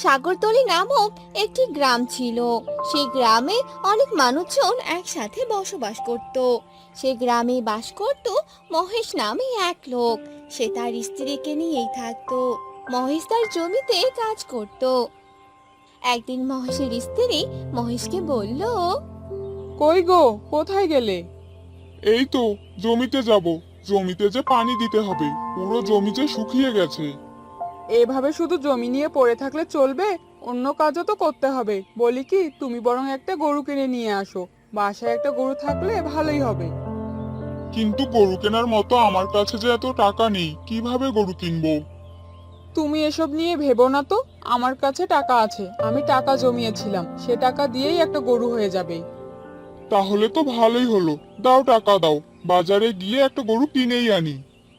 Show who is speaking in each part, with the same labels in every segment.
Speaker 1: সাগরতলি নামক একটি গ্রাম ছিল। সেই গ্রামে অনেক মানুষজন একসাথে বসবাস করত। সেই গ্রামে বাস করত মহেশ নামে এক লোক। সে তার স্ত্রীকে নিয়েই থাকতো। মহেশ তার জমিতে কাজ করত। একদিন মহেশের স্ত্রী মহেশকে বলল,
Speaker 2: কই গো, কোথায় গেলে?
Speaker 3: এই তো জমিতে যাব। জমিতে যে পানি দিতে হবে, পুরো জমি যে শুকিয়ে গেছে।
Speaker 2: এভাবে শুধু জমি নিয়ে পড়ে থাকলে চলবে? অন্য কাজও তো করতে হবে। বলি কি, তুমি বরং একটা গরু কিনে নিয়ে আসো। বাসায় একটা গরু থাকলে ভালোই হবে।
Speaker 3: কিন্তু গরু কেনার মতো আমার কাছে যে এত টাকা নেই, কিভাবে গরু কিনবো?
Speaker 2: তুমি এসব নিয়ে ভেবো না তো। আমার কাছে টাকা আছে, আমি টাকা জমিয়েছিলাম, সে টাকা দিয়েই একটা গরু হয়ে যাবে।
Speaker 3: তাহলে তো ভালোই হলো। দাও, টাকা দাও, বাজারে গিয়ে একটা গরু কিনেই আনি।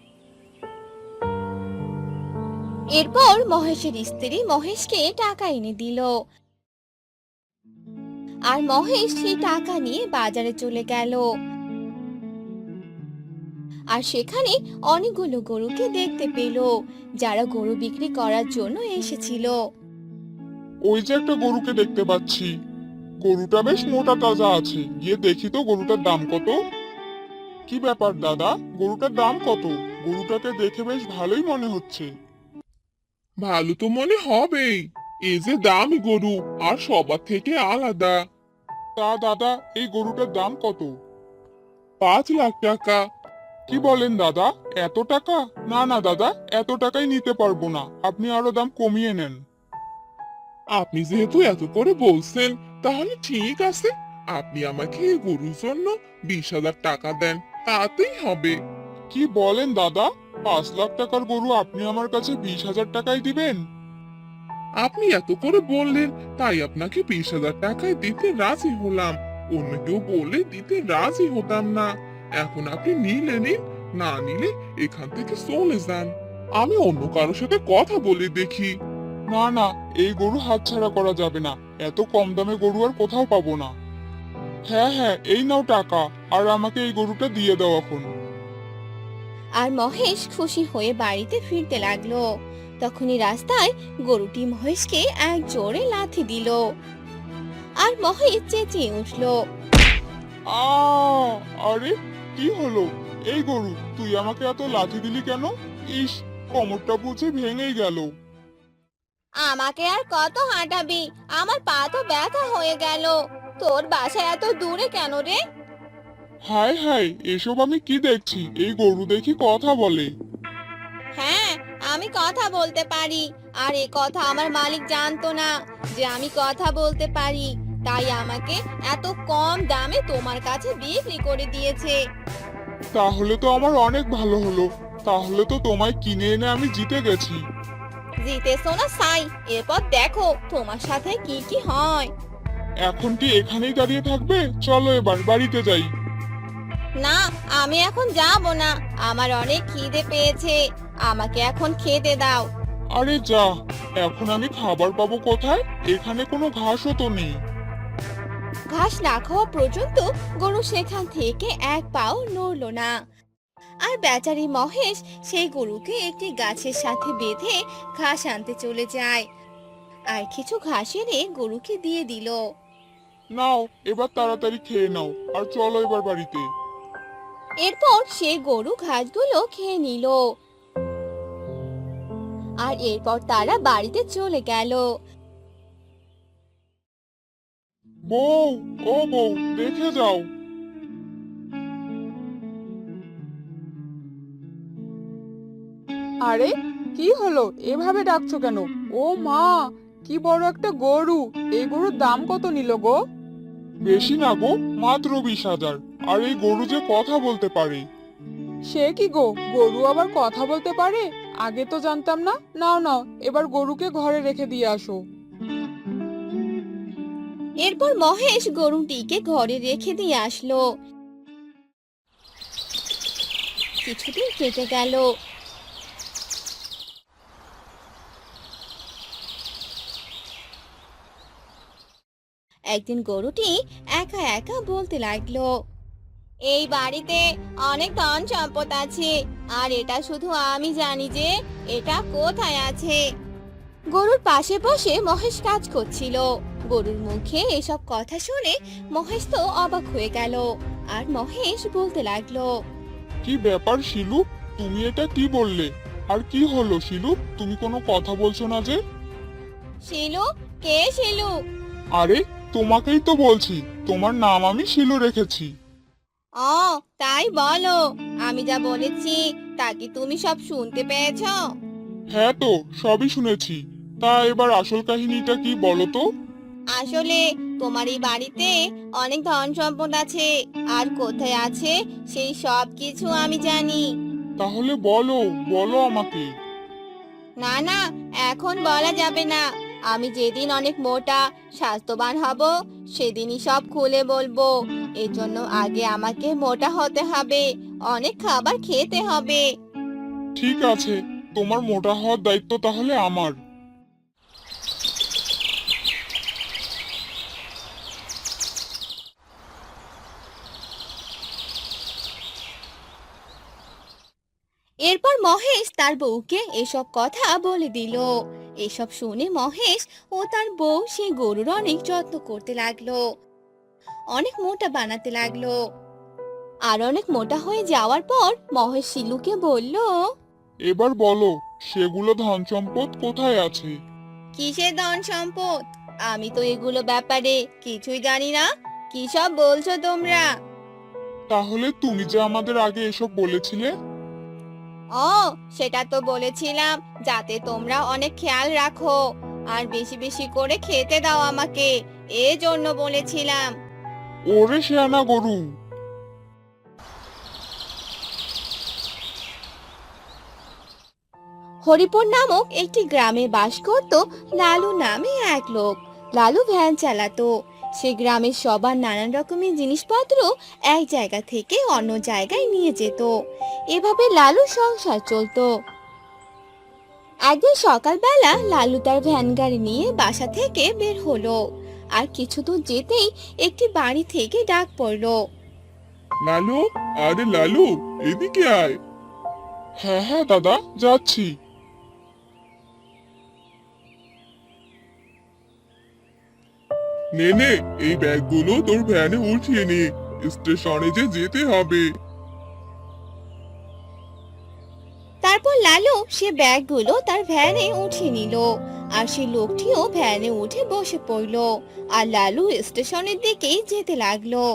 Speaker 1: এরপর মহেশের স্ত্রী মহেশকে টাকা এনে দিল। আর মহেশ সেই টাকা নিয়ে বাজারে চলে গেল। আর সেখানে অনেকগুলো গরুকে দেখতে পেল, যারা গরু বিক্রি করার জন্য এসেছিল।
Speaker 3: ওই যে একটা গরুকে দেখতে পাচ্ছি, গরুটা বেশ মোটা তাজা আছে। গিয়ে দেখি তো গরুটার দাম কত। কি ব্যাপার দাদা, গরুটার দাম কত? গরুটাকে দেখে বেশ ভালোই মনে হচ্ছে। ভালো তো মনে হবেই, এই যে দামি গরু আর সবার থেকে আলাদা। তা দাদা, এই গরুটার দাম কত? 5 লাখ টাকা। কি বলেন দাদা, এত টাকা? না না দাদা, এত টাকাই নিতে পারবো না, আপনি আরো দাম কমিয়ে নেন। আপনি যেহেতু এত করে বলছেন, তাহলে ঠিক আছে। আপনি আমাকে এই গরুর জন্য 20,000 টাকা দেন, তাতেই হবে। কি বলেন দাদা, 5 লাখ টাকার গরু আপনি আমার কাছে 20,000 টাকায় দিবেন? আপনি এত করে বললেন, তাই আপনাকে 20,000 টাকায় দিতে রাজি হলাম। অন্য কেউ বলে দিতে রাজি হতাম না। এখন আপনি নিলে নিন, না নিলে এখান থেকে চলে যান। আমি অন্য কারোর সাথে কথা বলে দেখি। না না, এই গরু হাতছাড়া করা যাবে না। এত কম দামে গরু আর কোথাও পাবো না। হ্যাঁ হ্যাঁ, এই নাও টাকা, আর আমাকে এই গরুটা দিয়ে দাও এখন।
Speaker 1: আর মহেশ খুশি হয়ে বাড়িতে ফিরতে লাগলো। তখনই রাস্তায় গরুটি মহেশকে এক জোরে লাথি দিল। আর মহেশ চেঁচিয়ে উঠলো।
Speaker 3: আ আরে, কি হলো? এই গরু, তুই আমাকে এত লাথি দিলি কেন? ইস, কোমরটা বুঝি ভেঙেই গেল।
Speaker 1: আমাকে আর কত হাঁটাবি, আমার পা তো ব্যথা হয়ে গেল। তোর বাসা এত দূরে কেন রে?
Speaker 3: হায় হায়, এসব আমি কি দেখছি? এই গরু দেখি কথা বলে।
Speaker 1: হ্যাঁ, আমি কথা বলতে পারি। আর এ কথা আমার মালিক জানতো না যে আমি কথা বলতে পারি। তাই আমাকে এত কম দামে তোমার কাছে বিক্রি করে দিয়েছে।
Speaker 3: তাহলে তো আমার অনেক ভালো হলো। তাহলে তো তোমায় কিনে এনে আমি জিতে গেছি।
Speaker 1: জিতেছো না সাই, এরপর দেখো তোমার সাথে কি কি হয়।
Speaker 3: এখন কি এখানেই দাঁড়িয়ে থাকবে? চলো এবার বাড়িতে যাই।
Speaker 1: না, আমি এখন যাব না। আমার অনেক খিদে পেয়েছে। আমাকে এখন খেতে দাও।
Speaker 3: আরে যা, এখন আমি খাবার পাবো কোথায়? এখানে কোনো ঘাসও তো নেই।
Speaker 1: ঘাস না খাওয়া পর্যন্ত গরু সেখান থেকে এক পাও নড়লো না। আর বেচারি মহেশ সেই গরুকে একটি গাছের সাথে বেঁধে ঘাস আনতে চলে যায়। আর কিছু ঘাস এনে গরুকে দিয়ে দিল।
Speaker 3: নাও, এবার তাড়াতাড়ি খেয়ে নাও, আর চলো এবার বাড়িতে।
Speaker 1: এরপর সে গরু ঘাসগুলো খেয়ে নিল। আর এরপর তারা বাড়িতে চলে গেল।
Speaker 3: বউ, ও বউ, দেখে যাও।
Speaker 2: আরে, কি হলো? এভাবে ডাকছো কেন? ও মা, কি বড় একটা গরু! এই গরুর দাম কত নিল গো?
Speaker 3: বেশি না গো, মাত্র 20,000। আর এই গরু যে কথা বলতে পারে।
Speaker 2: সে কি গো, গরু আবার কথা বলতে পারে? আগে তো জানতাম না। নাও নাও, এবার গরুকে ঘরে রেখে দিয়ে আসো।
Speaker 1: এরপর মহেশ গরুটিকে ঘরে রেখে দিয়ে আসলো। কিছুদিন কেটে গেল। একদিন গরুটি একা একা বলতে লাগলো, এই বাড়িতে অনেক ধন সম্পদ আছে, আর এটা শুধু আমি জানি যে এটা কোথায় আছে। গরুর পাশে বসে মহেশ কাজ করছিল। গরুর মুখে এসব কথা শুনে মহেশ তো অবাক হয়ে গেল। আর মহেশ বলতে লাগলো,
Speaker 3: কি ব্যাপার শিলু, তুমি এটা কি বললে? আর কি হলো শিলু, তুমি কোনো কথা বলছো না যে?
Speaker 1: শিলু? কে শিলু?
Speaker 3: আরে, তোমাকেই তো বলছি, তোমার নাম আমি শিলু রেখেছি।
Speaker 1: ও, তাই বলো। আমি যা বলেছি তা কি তুমি সব শুনতে পেয়েছো?
Speaker 3: হ্যাঁ তো, সবই শুনেছি। তা এবার আসল কাহিনীটা কি বলো তো?
Speaker 1: আসলে তোমার এই বাড়িতে অনেক ধন সম্পদ আছে, আর কোথায় আছে সেই সব কিছু আমি জানি।
Speaker 3: তাহলে বলো, বলো আমাকে।
Speaker 1: না না, এখন বলা যাবে না। আমি যেদিন অনেক মোটা স্বাস্থ্যবান হব সেদিনই সব খুলে বলবো। এর জন্য আগে আমাকে মোটা হতে হবে, অনেক খাবার খেতে হবে।
Speaker 3: ঠিক আছে, তোমার মোটা হওয়ার দায়িত্ব তাহলে আমার।
Speaker 1: এরপর মহেশ তার বউকে এসব কথা বলে দিল। এসব শুনে মহেশ ও তার বউ সেই গরুর অনেক যত্ন করতে লাগলো, অনেক মোটা বানাতে লাগলো। আর অনেক মোটা হয়ে যাওয়ার পর মহেশ শিলুকে বলল,
Speaker 3: এবার বলো, সেগুলো ধন সম্পদ কোথায় আছে?
Speaker 1: কিসের ধন সম্পদ? আমি তো এগুলো ব্যাপারে কিছুই জানি না। কি সব বলছো তোমরা?
Speaker 3: তাহলে তুমি যে আমাদের আগে এসব বলেছিলে।
Speaker 1: ও, সেটা তো বলেছিলাম যাতে তোমরা অনেক খেয়াল রাখো আর বেশি বেশি করে খেতে দাও আমাকে, এজন্য বলেছিলাম।
Speaker 3: ওরে শেয়ানা গরু!
Speaker 1: হরিপুর নামক একটি গ্রামে বাস করত লালু নামে এক লোক। লালু ভ্যান চালাতো। সে গ্রামের সবার নানান রকমের জিনিসপত্র এক জায়গা থেকে অন্য জায়গায় নিয়ে যেত। এভাবে লালু সংসার চলতো। একদিন সকালবেলা লালু তার ভ্যান গাড়ি নিয়ে বাসা থেকে বের হলো। আর কিছু দূর যেতেই একটি বাড়ি থেকে ডাক পড়লো।
Speaker 3: লালু, আরে লালু, এদিকে আয়। হ্যাঁ হ্যাঁ দাদা, যাচ্ছি। নে নে, এই ব্যাগগুলো তোর ভ্যানে উঠিয়ে নে, স্টেশনে যে যেতে হবে।
Speaker 1: তারপর লালু সে ব্যাগগুলো তার ভ্যানে উঠিয়ে নিল। আর সেই লোকটিও ভ্যানে উঠে বসে পড়লো। আর লালু স্টেশনের দিকেই যেতে লাগলো।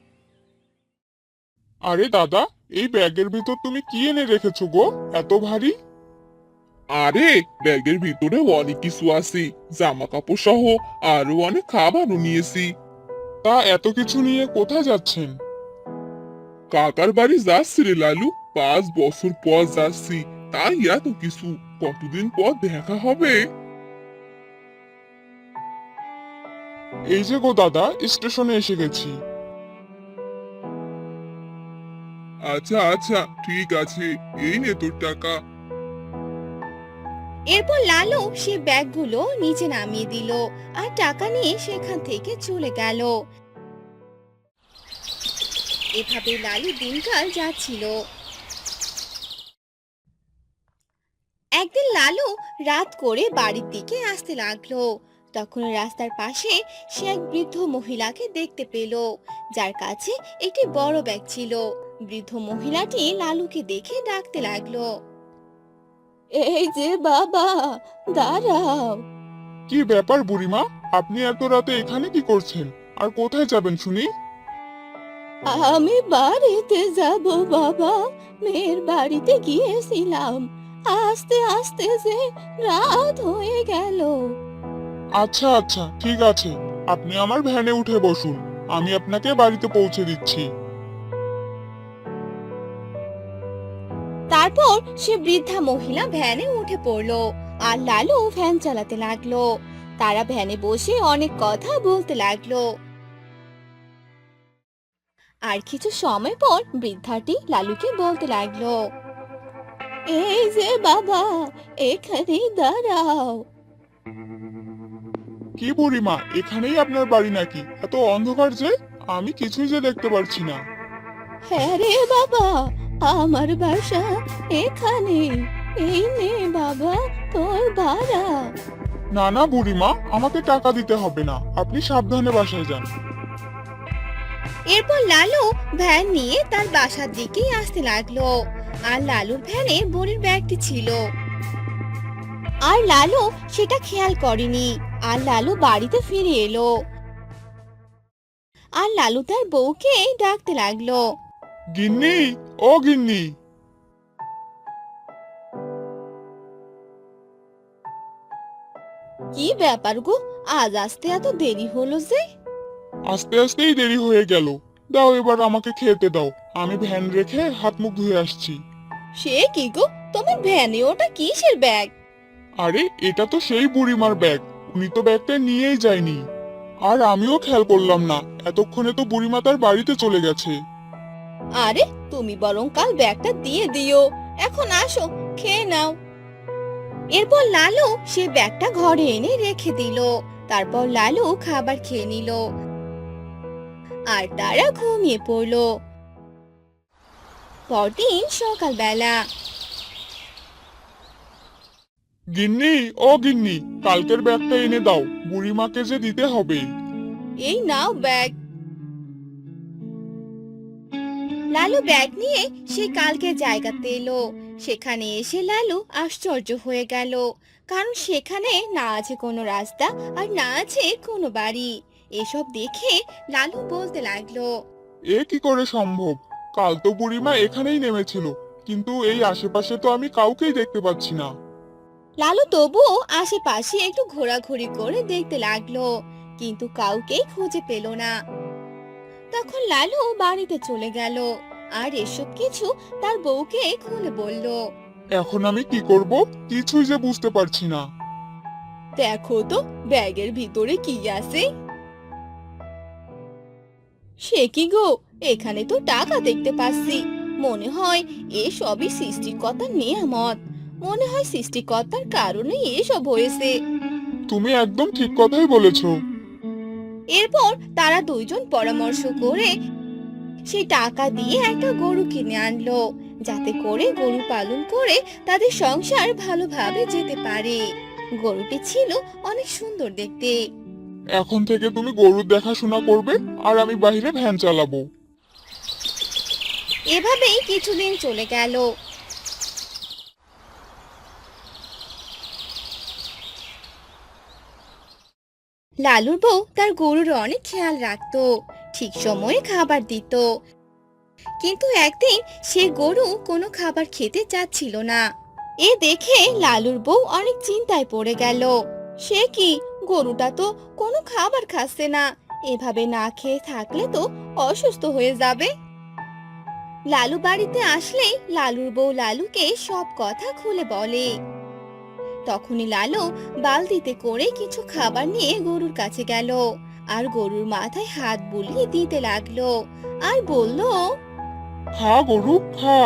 Speaker 3: আরে দাদা, এই ব্যাগের ভিতর তুমি কি এনে রেখেছো গো, এত ভারী? আরে, ব্যাগের ভিতরে অনেক কিছু আছে, জামা কাপড় সহ আরো অনেক খাবারও নিয়েছি। তা এত কিছু নিয়ে কোথায় যাচ্ছেন? কাকার বাড়ি যাচ্ছি রে লালু, 5 বছর পর যাচ্ছি, তাই এত কিছু। কতদিন পর দেখা হবে। এই যে গো দাদা, স্টেশনে এসে গেছি। আচ্ছা আচ্ছা, ঠিক আছে, এই নে তোর টাকা।
Speaker 1: এরপর লালু সে ব্যাগগুলো নিচে নামিয়ে দিল আর টাকা নিয়ে সেখান থেকে চলে গেল। এভাবে লালু দিনকাল যাচ্ছিল। একদিন লালু রাত করে বাড়ির দিকে আসতে লাগলো। তখন রাস্তার পাশে সে এক বৃদ্ধ মহিলাকে দেখতে পেল, যার কাছে একটি বড় ব্যাগ ছিল। বৃদ্ধ মহিলাটি লালুকে দেখে ডাকতে লাগলো, এই যে বাবা, দাঁড়াও।
Speaker 3: কি ব্যাপার বুড়িমা, আপনি এত রাতে এখানে কি করছেন? আর কোথায় যাবেন শুনি?
Speaker 1: আমি বাড়িতে যাব বাবা, মেয়ের বাড়িতে গিয়েছিলাম। আস্তে আস্তে যে রাত হয়ে গেল।
Speaker 3: আচ্ছা আচ্ছা, ঠিক আছে, আপনি আমার ভ্যানে উঠে বসুন, আমি আপনাকে বাড়িতে পৌঁছে দিচ্ছি।
Speaker 1: তারপর সে বৃদ্ধা মহিলা ভ্যানে উঠে পড়লো আর লালু ভ্যান চালাতে লাগলো। তারা ভ্যানে বসে অনেক কথা বলতে লাগলো। আর কিছু সময় পর বৃদ্ধাটি লালুকে বলতে লাগলো, এই যে বাবা, এখানেই দাঁড়াও।
Speaker 3: কি বুড়িমা, এখানেই আপনার বাড়ি নাকি? এত অন্ধকার যে, আমি কিছুই যে দেখতে পারছি না।
Speaker 1: হ্যাঁ রে বাবা, আমার বাসা এখানে। এই নে বাবা তোর ভাড়া।
Speaker 3: না না বুড়িমা, আমাকে টাকা দিতে হবে না, আপনি সাবধানে বাসায় যান।
Speaker 1: এরপর লালু ভ্যান নিয়ে তার বাসার দিকেই আসতে লাগলো। আর লালুর ভ্যানে বুড়ির ব্যাগটি ছিল, আর লালু সেটা খেয়াল করেনি। আর লালু বাড়িতে ফিরে এলো। আর লালু তার বউকে ডাকতে লাগলো।
Speaker 3: গিন্নি, ও গিন্নি।
Speaker 1: কি ব্যাপার গো, আজ আসতে এত দেরি হলো যে?
Speaker 3: আস্তে আস্তেই দেরি হয়ে গেল। দাও এবার আমাকে খেতে দাও, আমি ভ্যান রেখে হাত মুখ ধুয়ে আসছি।
Speaker 1: সে কি গো, তোমার ভ্যানে ওটা কিসের ব্যাগ?
Speaker 3: আরে এটা তো সেই বুড়িমার ব্যাগ, উনি তো ব্যাগটা নিয়েই যায়নি। আর আমিও খেয়াল করলাম না, এতক্ষণে তো বুড়িমা তার বাড়িতে চলে গেছে।
Speaker 1: আরে তুমি বরং কাল ব্যাগটা দিয়ে দিও। এখন আসো, খেয়ে নাও। এরপর লালু সে ব্যাগটা ঘরে এনে রেখে দিল। তারপর লালু খাবার খেয়ে নিল, আর তারা ঘুমিয়ে পড়লো। পরদিন সকালবেলা।
Speaker 3: গিন্নি, ও গিন্নি, কালকের ব্যাগটা এনে দাও, বুড়িমাকে যে দিতে হবে।
Speaker 1: এই নাও ব্যাগ। লালু ব্যাগ নিয়ে সে কালকে জায়গাতে এলো। সেখানে এসে লালু আশ্চর্য হয়ে গেল, কারণ সেখানে না আছে কোনো রাস্তা আর না আছে কোনো বাড়ি। এসব দেখে লালু বলতে লাগলো।
Speaker 3: এ কি করে সম্ভব? কাল তো বুড়িমা এখানেই নেমেছিল, কিন্তু এই আশেপাশে তো আমি কাউকেই দেখতে পাচ্ছি না।
Speaker 1: লালু তবুও আশেপাশে একটু ঘোরাঘুরি করে দেখতে লাগলো, কিন্তু কাউকেই খুঁজে পেল না। তখন লালু বাড়িতে চলে গেল আর এসব কিছু তার বউকে খুলে বলল।
Speaker 3: এখন আমি কি করব, কিছুই যে বুঝতে পারছি না।
Speaker 1: দেখো তো ব্যাগের ভিতরে কি আছে। সে কি গো, এখানে তো টাকা দেখতে পাচ্ছি। মনে হয় এসবই সৃষ্টিকর্তার নিয়ামত। মনে হয় সৃষ্টিকর্তার কারণে এসব হয়েছে।
Speaker 3: তুমি একদম ঠিক কথাই বলেছো।
Speaker 1: এরপর তারা দুইজন পরামর্শ করে সেই টাকা দিয়ে একটা গরু কিনে আনলো, যাতে করে গরু পালন করে তাদের সংসার ভালোভাবে যেতে পারে। গরুটি ছিল অনেক সুন্দর দেখতে।
Speaker 3: এখন থেকে তুমি গরুর দেখাশোনা করবে, আর আমি বাইরে ভ্যান চালাবো।
Speaker 1: এভাবেই কিছুদিন চলে গেল। লালুর বউ তার গরুর অনেক খেয়াল রাখতো, ঠিক সময়ে খাবার দিত। কিন্তু একদিন সে গরু কোনো খাবার খেতে চাচ্ছিল না। এ দেখে লালুর বউ অনেক চিন্তায় পড়ে গেল। সে কি, গরুটা তো কোনো খাবার খাচ্ছে না। এভাবে না খেয়ে থাকলে তো অসুস্থ হয়ে যাবে। লালু বাড়িতে আসলেই লালুর বউ লালুকে সব কথা খুলে বলে। তখনই লালু বালতিতে করে কিছু খাবার নিয়ে গরুর কাছে গেল, আর গরুর মাথায় হাত বুলিয়ে দিতে লাগলো, আর বলল।
Speaker 3: খা গরু, খা।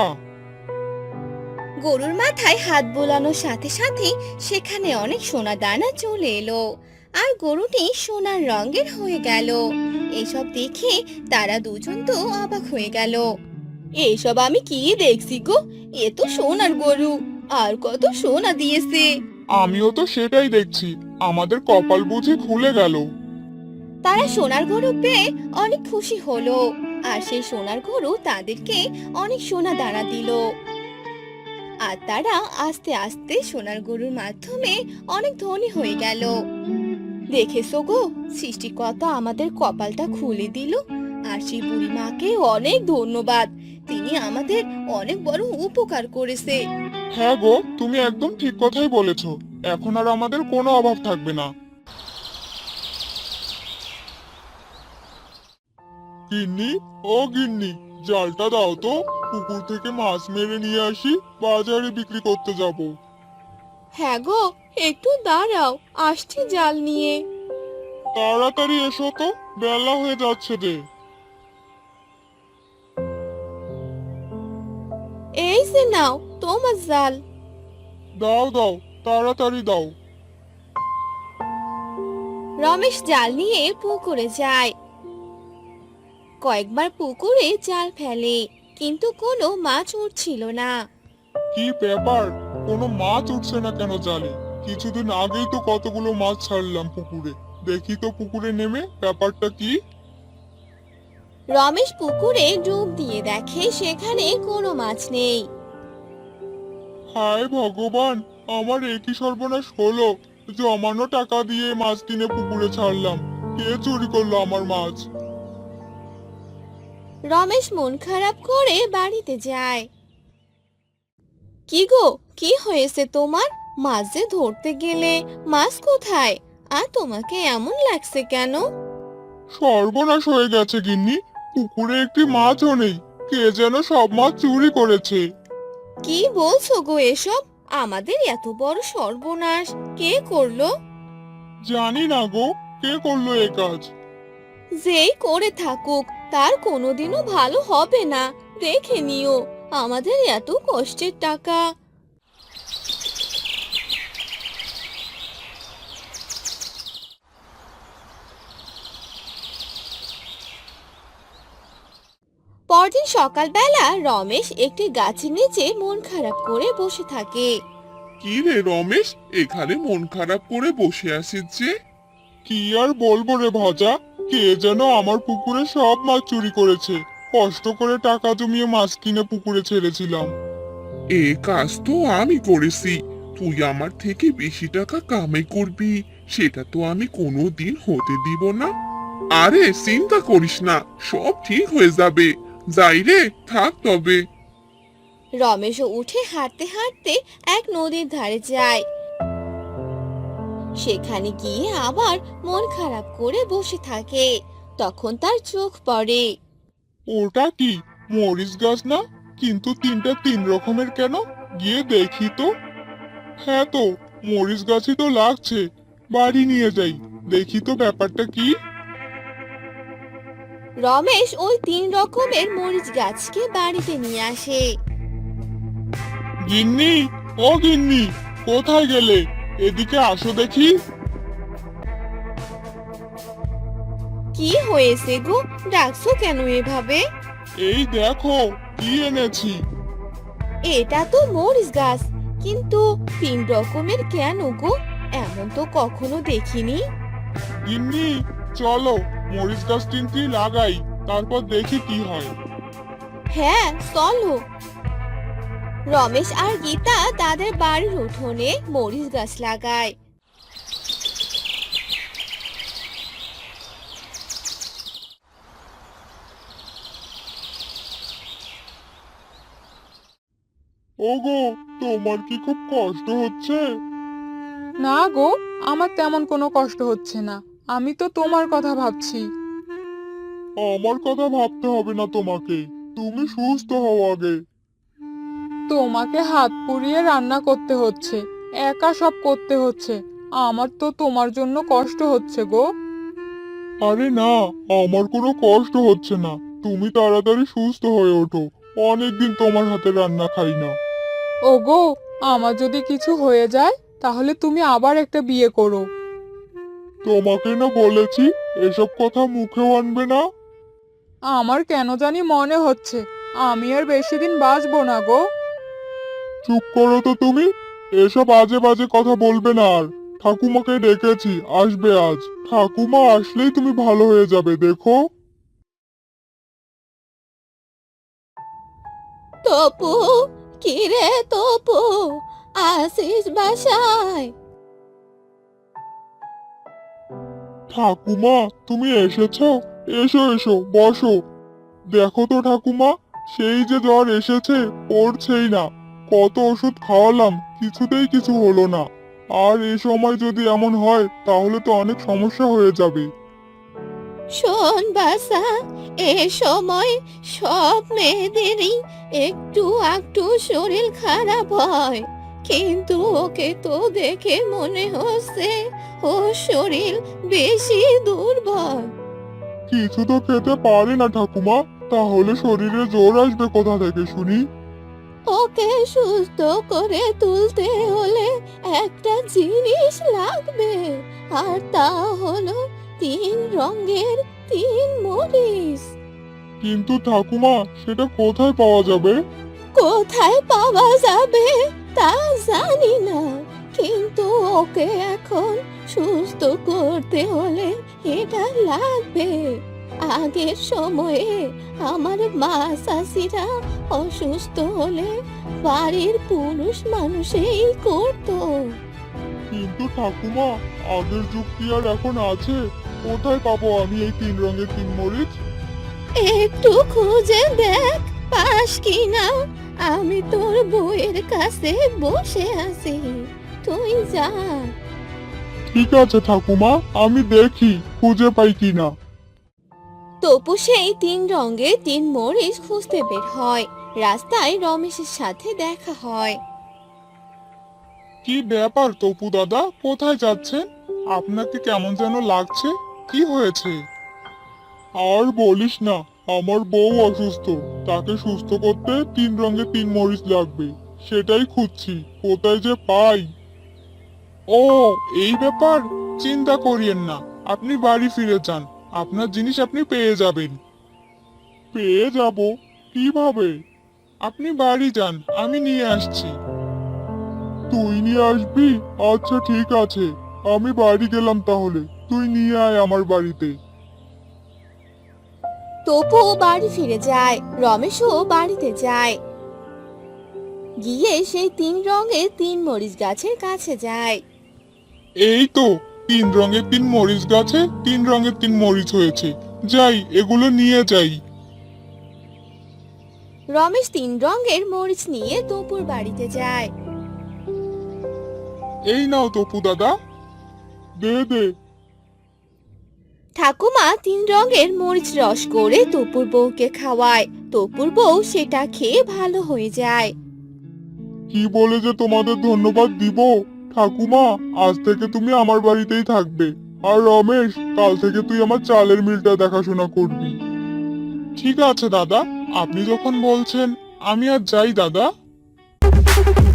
Speaker 1: গরুর মাথায় হাত বোলানোর সাথে সাথে সেখানে অনেক সোনা দানা চলে এলো, আর গরুটি সোনার রঙের হয়ে গেল। এসব দেখে তারা দুজন তো অবাক হয়ে গেল। এসব আমি কি দেখছি গো, এ তো সোনার গরু, আর কত সোনা দিয়েছে।
Speaker 3: আমিও তো সেটাই দেখছি, আমাদের কপাল বুঝি খুলে গেল।
Speaker 1: তারা সোনার গরু পেয়ে অনেক খুশি হলো, আর সেই সোনার গরু তাদেরকে অনেক সোনা দানা দিল। আর তারা আস্তে আস্তে সোনার গরুর মাধ্যমে অনেক ধনী হয়ে গেল। দেখেছো গো, সৃষ্টিকর্তা আমাদের কপালটা খুলে দিল। আর সেই বুড়ি মাকে অনেক ধন্যবাদ, তিনি আমাদের অনেক বড় উপকার করেছে।
Speaker 3: হ্যাঁ গো, তুমি একদম ঠিক কথাই বলেছো। এখন আর আমাদের কোনো অভাব থাকবে না। গিন্নি, ও গিন্নি, জালটা দাও তো, পুকুর থেকে মাছ মেরে নিয়ে আসি, বাজারে বিক্রি করতে যাব।
Speaker 1: হ্যাঁ গো, একটু দাঁড়াও, আসছি জাল নিয়ে।
Speaker 3: তাড়াতাড়ি এসো তো, বেলা হয়ে যাচ্ছে যে।
Speaker 1: এই যে নাও তোমার জাল।
Speaker 3: দাও দাও, তাড়াতাড়ি দাও।
Speaker 1: রমেশ জাল নিয়ে পুকুরে যায়। কয়েকবার পুকুরে জাল ফেলে, কিন্তু কোনো মাছ উঠছিল না।
Speaker 3: কি ব্যাপার, কোনো মাছ উঠছে না কেন জালে? কিছুদিন আগেই তো কতগুলো মাছ ছাড়লাম পুকুরে। দেখি তো পুকুরে নেমে ব্যাপারটা কি।
Speaker 1: রমেশ পুকুরে ডুব দিয়ে দেখে সেখানে কোনো মাছ নেই।
Speaker 3: হায় ভগবান, আমার একই সর্বনাশ হলো। জমানো টাকা দিয়ে মাছ কিনে পুকুরে ছাড়লাম, কে চুরি করলো আমার মাছ?
Speaker 1: রমেশ মন খারাপ করে বাড়িতে যায়। কি গো, কি হয়েছে তোমার? মাছ যে ধরতে গেলে মাছ কোথায়? আর তোমাকে এমন লাগছে কেন?
Speaker 3: সর্বনাশ হয়ে গেছে গিন্নি, পুকুরে একটি মাছও নেই। কে যেন সব মাছ চুরি করেছে।
Speaker 1: কি বলছো গো এসব? আমাদের এত বড় সর্বনাশ কে করলো?
Speaker 3: জানি না গো, কে করলো এ কাজ।
Speaker 1: যেই করে থাকুক তার কোনোদিনও ভালো হবে না। দেখে নিও, আমাদের এত কষ্টের টাকা। পরদিন সকালবেলা রমেশ একটি গাছের নিচে মন খারাপ করে বসে থাকে।
Speaker 3: কি রে রমেশ, এখানে মন খারাপ করে বসে আছিস যে? কি আর বলবো রে ভাজা, কে যেন আমার পুকুরে সব মাছ চুরি করেছে। কষ্ট করে টাকা জমিয়ে মাছ কিনে পুকুরে ছেড়েছিলাম।
Speaker 4: এ কাজ তো আমি করেছি। তুই আমার থেকে বেশি টাকা কামাই করবি, সেটা তো আমি কোনোদিন হতে দিব না। আরে চিন্তা করিস না, সব ঠিক হয়ে যাবে। যাই রে, থাক তবে।
Speaker 1: রমেশও উঠে হাঁটতে হাঁটতে এক নদীর ধারে যায়। সেখানে গিয়ে আবার মন খারাপ করে বসে থাকে। তখন তার চোখ পড়ে।
Speaker 3: ওটা কি মরিচ গাছ না? কিন্তু তিনটা তিন রকমের কেন? গিয়ে দেখি তো। হ্যাঁ তো, মরিচ গাছই তো লাগছে। বাড়ি নিয়ে যাই, দেখি তো ব্যাপারটা কি।
Speaker 1: রমেশ ওই 3 রকমের মরিচ গাছকে বাড়িতে নিয়ে আসে।
Speaker 3: গিন্নি, ও গিন্নি, কোথায় গেলে? এদিকে আসো দেখি।
Speaker 1: কি হয়েছে গো, ডাকছো কেন এভাবে?
Speaker 3: এই দেখো কি এনেছি।
Speaker 1: এটা তো মরিচ গাছ, কিন্তু 3 রকমের কেন গো? এমন তো কখনো দেখিনি।
Speaker 3: গিন্নি, চলো মরিচ গাছ তিনটি লাগাই, তারপর দেখি কি হয়।
Speaker 1: হ্যাঁ চলো। রমেশ আর গীতা তাদের বাড়ির উঠোনে মরিচ গাছ লাগায়।
Speaker 3: ওগো, তোমার কি খুব কষ্ট হচ্ছে?
Speaker 2: না গো, আমার তেমন কোনো কষ্ট হচ্ছে না। আমি তো তোমার কথা ভাবছি।
Speaker 3: আমার কথা ভাবতে হবে না তোমাকে, তুমি সুস্থ হও আগে।
Speaker 2: তোমাকে হাত পুড়িয়ে রান্না করতে হচ্ছে, একা সব করতে হচ্ছে। আমার তো তোমার জন্য কষ্ট হচ্ছে গো।
Speaker 3: আরে না, আমার কোনো কষ্ট হচ্ছে না। তুমি তাড়াতাড়ি সুস্থ হয়ে ওঠো, অনেকদিন তোমার হাতে রান্না খাই না।
Speaker 2: ওগো, আমার যদি কিছু হয়ে যায় তাহলে তুমি আবার একটা বিয়ে করো।
Speaker 3: তোমাকে না বলেছি এসব কথা মুখেও আনবে না।
Speaker 2: আমার কেন জানি মনে হচ্ছে আমি আর বেশি দিন বাঁচবো না গো।
Speaker 3: চুপ করো তো তুমি, এসব আজে বাজে কথা বলবে না আর। ঠাকুমাকে ডেকেছি, আসবে আজ। ঠাকুমা আসলেই তুমি ভালো হয়ে যাবে, দেখো।
Speaker 1: তপু, কি রে তপু, আসিস বাসায়?
Speaker 3: ঠাকুমা, তুমি এসেছো? এসো এসো, বসো। দেখো তো ঠাকুমা, সেই যে জ্বর এসেছে, পড়ছেই না। কত ওষুধ খাওয়ালাম, কিছুতেই কিছু হলো না। আর এই সময় যদি এমন হয় তাহলে তো অনেক সমস্যা হয়ে যাবে।
Speaker 1: শোন বাসা, এ সময় সব মেয়েদেরই একটু একটু শরীর খারাপ হয়, কিন্তু ওকে তো দেখে মনে হচ্ছে ওর শরীর বেশি দুর্বল।
Speaker 3: কিছু তো খেতে পারে না ঠাকুমা, তাহলে শরীরে জোর আসবে কোথা থেকে শুনি?
Speaker 1: ওকে সুস্থ করে তুলতে হলে একটা জিনিস লাগবে, আর তা হলো 3 রঙের 3 মরিচ।
Speaker 3: কিন্তু ঠাকুমা, সেটা কোথায় পাওয়া যাবে?
Speaker 1: কোথায় পাওয়া যাবে তা জানি না, কিন্তু ওকে এখন সুস্থ করতে হলে এটা লাগবে। আগের সময়ে আমার মা চাষিরা অসুস্থ হলে বাড়ির পুরুষ মানুষই করতো।
Speaker 3: কিন্তু ঠাকুমা, আগের যুগ কি আর এখন আছে? কোথায় পাবো আমি এই 3 রঙের 3 মরিচ?
Speaker 1: একটু খুঁজে দেখ পাস কি না। আমি তোর বউয়ের কাছে বসে আছি, তুই যা।
Speaker 3: ঠিক আছে ঠাকুমা, আমি দেখি খুঁজে পাই কিনা।
Speaker 1: তপু সেই 3 রঙের 3 মরিচ খুঁজতে বের হয়। রাস্তায় রমেশের সাথে দেখা হয়।
Speaker 3: কি ব্যাপার তপু দাদা, কোথায় যাচ্ছেন? আপনাকে কেমন যেন লাগছে, কি হয়েছে? আর বলিস না, আমার বউ অসুস্থ, তাকে সুস্থ করতে 3 রঙের 3 মরিচ লাগবে, সেটাই খুঁজছি, কোথায় যে পাই। ও, এই ব্যাপার, চিন্তা করিয়েন না, আপনি বাড়ি ফিরে যান, আপনার জিনিস আপনি পেয়ে যাবেন। পেয়ে যাব? কিভাবে? আপনি বাড়ি যান, আমি নিয়ে আসছি। তুই নিয়ে আসবি? আচ্ছা ঠিক আছে, আমি বাড়ি গেলাম তাহলে, তুই নিয়ে আয় আমার বাড়িতে।
Speaker 1: তপু বাড়ি ফিরে যায়, রমেশও বাড়িতে যায়। গিয়ে সেই 3 রঙের 3 মরিচ গাছের কাছে যায়।
Speaker 3: এই তো, 3 রঙের 3 মরিচ গাছে 3 রঙের 3 মরিচ হয়েছে, যাই এগুলো নিয়ে যাই।
Speaker 1: রমেশ 3 রঙের মরিচ নিয়ে তপুর বাড়িতে যায়।
Speaker 3: এই নাও তপু দাদা, দে দে।
Speaker 1: ঠাকুমা 3 রঙের মরিচ রস করে তপুর বউকে খাওয়ায়। তপুর বউ সেটা খেয়ে ভালো হয়ে যায়।
Speaker 3: কি বলে যে তোমাদের ধন্যবাদ দিব? ঠাকুমা, আজ থেকে তুমি আমার বাড়িতেই থাকবে, আর রমেশ, কাল থেকে তুই আমার চালের মিলটা দেখাশোনা করবি। ঠিক আছে দাদা, আপনি যখন বলছেন, আমি আর যাই দাদা।